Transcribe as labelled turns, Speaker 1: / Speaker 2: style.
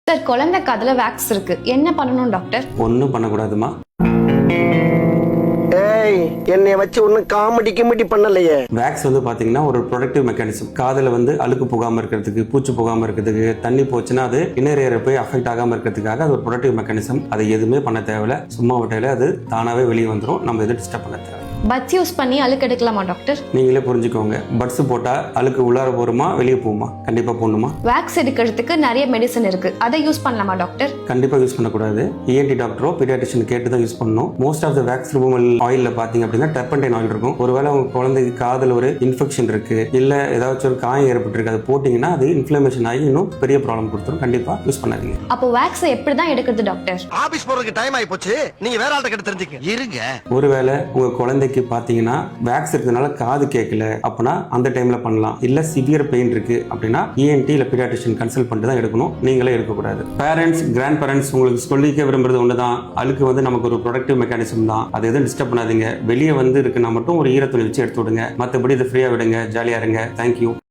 Speaker 1: Sir, குழந்தை காதுல wax இருக்கு, என்ன பண்ணணும் டாக்டர்?
Speaker 2: ஒன்றும் பண்ணக்கூடாதுமா.
Speaker 3: ஏய், என்னைய வச்சு ஒன்னும் காமெடி கிமெடி பண்ணலையே.
Speaker 2: வேக்ஸ் வந்து பாத்தீங்கன்னா ஒரு ப்ரொடக்டிவ் மெக்கானிசம். காதுல வந்து அழுக்கு போகாம இருக்கிறதுக்கு, பூச்சி போகாம இருக்கிறதுக்கு, தண்ணி போச்சுன்னா அது இன்னர் ஏரை போய் அஃபெக்ட் ஆகாம இருக்கிறதுக்காக அது ஒரு ப்ரொடக்டிவ் மெக்கானிசம். அதை எதுவுமே பண்ண தேவையில்ல. சும்மா விட்டாலே அது தானாவே வெளியே வந்துடும். நம்ம எதுவும் டிஸ்டர்ப் பண்ண தேவை.
Speaker 1: பட்ஸ் யூஸ் பண்ணி அழுக்கு எடுக்கலாமா டாக்டர்?
Speaker 2: நீங்களே புரிஞ்சுக்கோங்க. பட்ஸ் போட்டா அழுக்கு உள்ளார போருமா வெளியே போகுமா? கண்டிப்பா போடணுமா?
Speaker 1: வேக்ஸ் எடுக்கிறதுக்கு நிறைய மெடிசன் இருக்கு, அதை யூஸ் பண்ணலாமா டாக்டர்?
Speaker 2: கண்டிப்பா யூஸ் பண்ணக்கூடாது. இஎன்டி டாக்டரோ பீடியாட்ரிஷியன் கேட்டு தான் யூஸ் பண்ணணும். Most of the wax removal ஆயில்ல பாத்தீங்க அப்படின்னா டர்பன்டைன் ஆயில் இருக்கும். ஒருவேளை உங்க குழந்தைக்கு காதுல ஒரு இன்ஃபெக்ஷன் இருக்கு, இல்ல ஏதாச்சும் ஒரு காயம் ஏற்பட்டிருக்கு, அதை போட்டீங்கன்னா அது இன்ஃபிளமேஷன் ஆகி இன்னும் பெரிய ப்ராப்ளம் கொடுத்துரும். கண்டிப்பா யூஸ் பண்ணாதீங்க.
Speaker 1: அப்போ வேக்ஸை எப்படி தான் எடுக்கிறது டாக்டர்?
Speaker 3: ஆபீஸ் போறதுக்கு டைம் ஆயி போச்சு, நீங்க வேற ஆள்கிட்ட கிட்ட தெரிஞ்சுக்க இருங்க.
Speaker 2: ஒருவேளை உங்க குழந்தைக்கு பாத்தீங்கன்னா வேக்ஸ் இருக்கிறதுனால காது கேட்கல அப்படின்னா அந்த டைம்ல பண்ணலாம். இல்ல சிவியர் பெயின் இருக்கு அப்படின்னா இஎன்டி இல்ல பீடியாட்ரிஷியன் கன்சல்ட் பண்ணிட்டு தான் எடுக்கணும். நீங்களே எடுக்கக்கூடாது. பேரண்ட்ஸ், கிராண்ட் பேரண்ட்ஸ் உங்களுக்கு சொல்லிக்க விரும்புறது ஒண்ணுதான். அழுக்கு வந்து நமக்கு ஒரு ப்ரொடக்டிவ் மெக்கானிசம் தான். அதை எதுவும் டிஸ்டர்ப் பண்ணாதீங்க. வெளியே வந்து இருக்குன்னா மட்டும் ஒரு ஈரத்துணி வச்சு எடுத்து விடுங்க. மற்றபடி இதை ஃப்ரீயா விடுங்க, ஜாலியா இருங்க. தேங்க்யூ.